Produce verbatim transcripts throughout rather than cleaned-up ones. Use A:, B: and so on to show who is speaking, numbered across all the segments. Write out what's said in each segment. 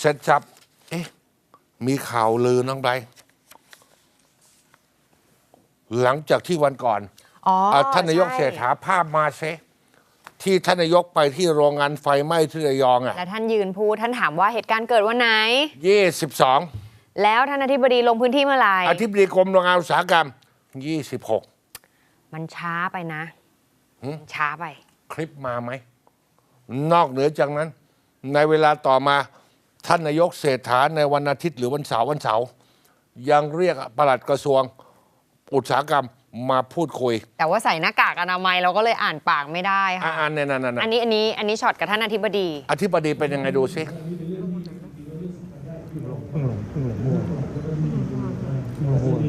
A: เสร็จจับเอ๊ะมีข่าวลือน้องไบรท์หลังจากที่วันก่อน
B: อ๋อ
A: อ่ะท่านนายก
B: ใช่
A: เศรษฐาภาพมาเซที่ท่านนายกไปที่โรงงานไฟไหม้ที่ระยองอ่ะ
B: และท่านยืนพูดท่านถามว่าเหตุการณ์เกิดวันไหน
A: ยี่สิบสอง
B: แล้วท่านอธิบดีลงพื้นที่เมื่อไหร่
A: อธิบดีกรมโรงงานอุตสาหกรรมยี่สิบหก
B: มันช้าไปนะ
A: หืม
B: มันช้าไป
A: คลิปมาไหม นอกเหนือจากนั้น ในเวลาต่อมาท่านนายกเศรษฐาในวันอาทิตย์หรือวันเสาร์วันเสาร์ยังเรียกปลัดกระทรวงอุตสาหกรรมมาพูดคุย
B: แต่ว่าใส่หน้ากากอนามัยเราก็เลยอ่านปากไม่ได้
A: อ่า
B: ค่ะ
A: เนี่ยนั่น
B: อันนี้อันนี้อันนี้ช็อตกับท่านอธิบดี
A: อธิบดีเป็นยังไงดูสิ
C: เพิ่งหลงเพิ่งหลงมั่วเพิ่งหลงมั่ว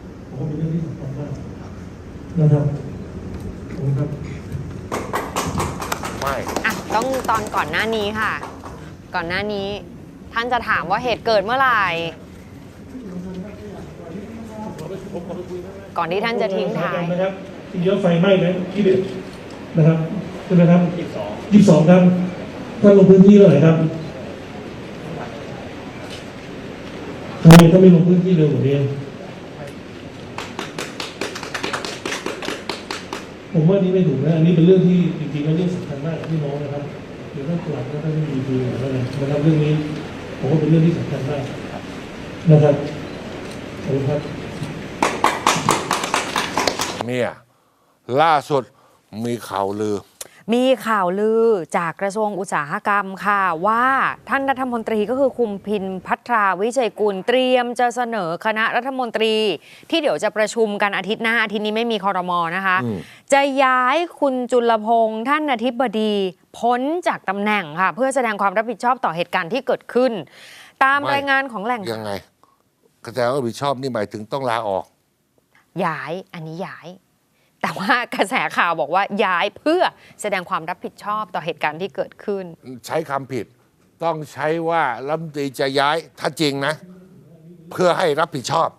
C: นะครับผมครับ
A: ไม่
B: อ่ะต้องตอนก่อนหน้านี้ค่ะ ก่อนหน้านี้ ท่านจะถามว่าเหตุเกิดเมื่อไหร่ ก่อนที่ท่านจะทิ้งท้าย
C: นะครับที่เยอะไฟไหม้นะที่เด็ดนะครับใช่ไหมครับยี่สิบสองยี่สิบสองครับท่านลงพื้นที่เมื่อไหร่ครับทำไมก็ไม่ลงพื้นที่เร็วกว่านี้ผมว่านี่ไม่ถูกนะอันนี้เป็นเรื่องที่จริงๆแล้วเรื่องสำคัญมากกับพี่น้องนะครับเดี๋ยวท่านตรวจแล้วท่านไม่มีคืออะไรนะครับเรื่องนี้ผมว่าเป็นเรื่องที่สำคัญมากนะครับขอบคุณครับ
A: เนี่ยล่าสุดมีข่าวลือ
B: มีข่าวลือจากกระทรวงอุตสาหกรรมค่ะว่าท่านรัฐมนตรีก็คือคุณพินภัทราวิชัยกุลเตรียมจะเสนอคณะรัฐมนตรี ที่เดี๋ยวจะประชุมกันอาทิตย์หน้าอาทิตย์นี้ไม่มีครม.นะคะ
A: อืม
B: จะย้ายคุณจุลพงษ์ท่านอธิบดีพ้นจากตำแหน่งค่ะ เพื่อแสดงความรับผิดชอบต่อเหตุการณ์ที่เกิดขึ้น ตามรายงานของแหล่ง
A: ยังไงกระแสรับผิดชอบนี่หมายถึงต้องลาออก
B: ย้ายอันนี้ย้าย แต่ว่ากระแสข่าวบอกว่าย้ายเพื่อแสดงความรับผิดชอบต่อเหตุการณ์ที่เกิดขึ้น
A: ใช้คำผิด ต้องใช้ว่ารัฐมนตรีจะย้ายถ้าจริงนะ เพื่อให้รับผิดชอบ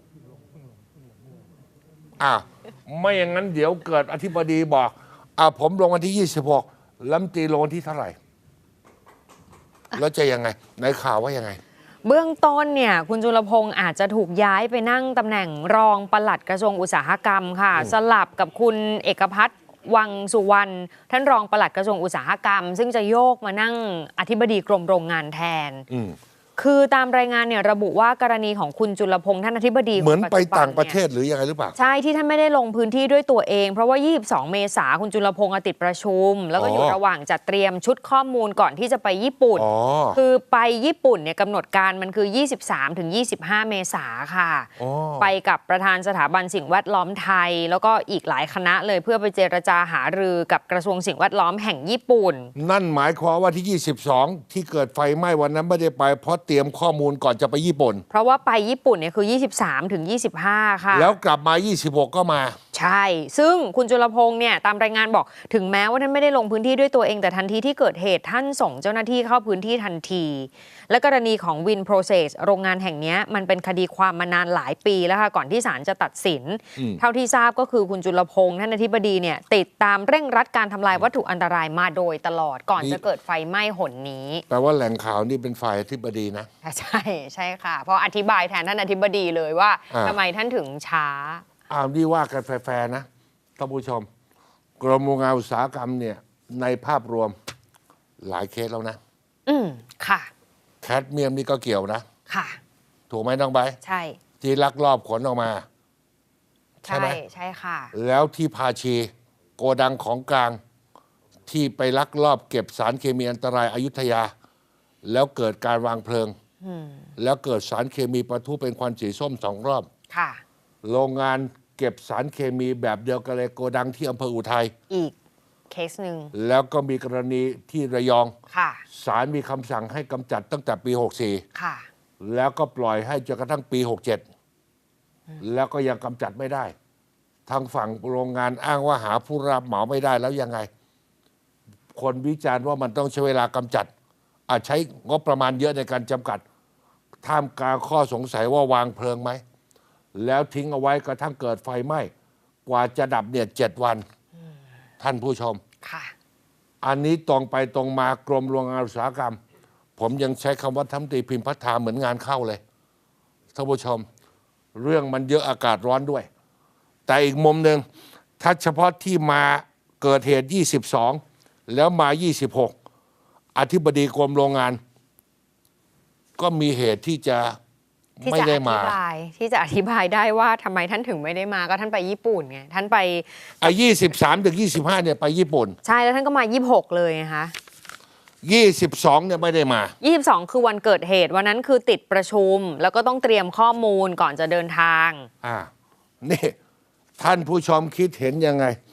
A: อ้าวไม่อย่างนั้นเดี๋ยวเกิดอธิบดีบอกอ้าวผมลงวันที่ยี่สิบหกรัฐมนตรีลงวันที่เท่าไหร่ แล้วจะยังไงในข่าวว่ายังไง
B: เบื้องต้นเนี่ยคุณจุลพงศ์อาจจะถูกย้ายไปนั่งตำแหน่งรองปลัดกระทรวงอุตสาหกรรมค่ะ
A: อืม
B: สลับกับคุณเอกพัฒน์วังสุวรรณท่านรองปลัดกระทรวงอุตสาหกรรม ซึ่งจะโยกมานั่งอธิบดีกรมโรงงานแทน
A: อืม
B: คือตามรายงานเนี่ยระบุว่ากรณีของคุณจุลพงศ์ท่านอธิบดี
A: เหมือนไป
B: คจุบั
A: ต่างประเท
B: นี่ย
A: ศหรือยังไงหรือเปล่า
B: ใช่ที่ท่านไม่ได้ลงพื้นที่ด้วยตัวเอง เพราะว่า ยี่สิบสอง เมษาคุณจุลพงศ์ติดประชุม แล้วก็อยู่
A: อ๋อ
B: ระหว่างจัดเตรียมชุดข้อมูลก่อนที่จะไปญี่ปุ่น
A: อ๋อ
B: คือไปญี่ปุ่นเนี่ยกำหนดการมันคือ ยี่สิบสามถึงยี่สิบห้า เมษาค่ะ
A: อ๋อ
B: ไปกับประธานสถาบันสิ่งแวดล้อมไทย แล้วก็อีกหลายคณะเลยเพื่อไปเจรจาหารือกับกระทรวงสิ่งแวดล้อมแห่งญี่ปุ่น
A: นั่นหมายความว่าที่ยี่สิบสองที่เกิดไฟไหม้วันนั้นไม่ได้ไปเพราะเตรียมข้อมูลก่อนจะไปญี่ปุ่น
B: เพราะว่าไปญี่ปุ่นเนี่ยคือ ยี่สิบสามถึงยี่สิบห้า ค่ะ
A: แล้วกลับมายี่สิบหกก็มา
B: ใช่ ซึ่งคุณจุลพงษ์เนี่ยตามรายงานบอกถึงแม้ว่าท่านไม่ได้ลงพื้นที่ด้วยตัวเองแต่ทันทีที่เกิดเหตุท่านส่งเจ้าหน้าที่เข้าพื้นที่ทันที และกรณีของวินโปรเซสโรงงานแห่งนี้มันเป็นคดีความมานานหลายปีแล้วค่ะก่อนที่ศาลจะตัดสิน
A: อืม
B: เท่าที่ทราบก็คือคุณจุลพงษ์ท่านอธิบดีเนี่ยติดตามเร่งรัดการทำลายวัตถุอันตรายมาโดยตลอดก่อนจะเกิดไฟไหม้หนนี้
A: แปลว่าแหล่งข่าวนี่เป็นฝ่ายอธิบดีนะ
B: ใช่ใช่ค่ะ เพราะอธิบายแทนท่านอธิบดีเลยว่า
A: อ่า
B: ทำไมท่านถึงช้า
A: อ้าวนี่ว่ากันแฟร์ๆนะท่านผู้ชม กรมโรงงานอุตสาหกรรมเนี่ยในภาพรวมหลายเคสแล้วนะ
B: อืมค่ะ
A: แคดเมียมนี่ก็เกี่ยวนะ
B: ค่ะ
A: ถูกไหมน้องใบร์ท
B: ใช่
A: ที่ลักลอบขนออกมา ใช่
B: ใช่
A: ไหม
B: ใช่ค่ะ
A: แล้วที่พาชีโกดังของกลาง ที่ไปลักลอบเก็บสารเคมีอันตรายอยุธยา แล้วเกิดการวางเพลิง
B: อืม
A: แล้วเกิดสารเคมีปะทุเป็นควันสีส้มสองรอบ
B: ค่ะ
A: โรงงานเก็บสารเคมีแบบเดียวกันเลยโกดังที่อำเภออุทัย
B: อีกเคสหนึ่ง
A: แล้วก็มีกรณีที่ระยอง
B: ค่ะ
A: ศาลมีคำสั่งให้กำจัดตั้งแต่ปี หกสี่
B: ค่ะ
A: แล้วก็ปล่อยให้จนกระทั่งปี หกเจ็ด แล้วก็ยังกำจัดไม่ได้ ทางฝั่งโรงงานอ้างว่าหาผู้รับเหมาไม่ได้แล้วยังไง คนวิจารณ์ว่ามันต้องใช้เวลากำจัด อาจใช้งบประมาณเยอะในการจำกัด ท่ามกลางข้อสงสัยว่าวางเพลิงไหม แล้วทิ้งเอาไว้กระทั่งเกิดไฟไหม้ กว่าจะดับเนี่ยเจ็ดวัน ท่านผู้ชม
B: ค่ะ
A: อันนี้ตรงไปตรงมากรมโรงงานอุตสาหกรรมผมยังใช้คำว่าทำตรีพิมพ์พัฒนาเหมือนงานเข้าเลยท่านผู้ชม เรื่องมันเยอะอากาศร้อนด้วย แต่อีกมุมหนึ่งถ้าเฉพาะที่มาเกิดเหตุยี่สิบสองแล้วมายี่สิบหกอธิบดีกรมโรงงาน ก็มีเหตุที่จะ
B: ที่
A: ไม่
B: จะอ
A: ได้
B: ธิ
A: มา
B: บายที่จะอธิบายได้ว่าทำไมท่านถึงไม่ได้มาก็ท่านไปญี่ปุ่นไงท่านไป
A: อ่ะยี่สิบสามถึงยี่สิบห้าเนี่ยไปญี่ปุ่น
B: ใช่แล้วท่านก็มายี่สิบหกเลยนะคะ
A: ยี่สิบสองเนี่ยไม่ได้มา
B: ยี่สิบสองคือวันเกิดเหตุวันนั้นคือติดประชุม แล้วก็ต้องเตรียมข้อมูลก่อนจะเดินทาง
A: อ่านี่ท่านผู้ชมคิดเห็นยังไง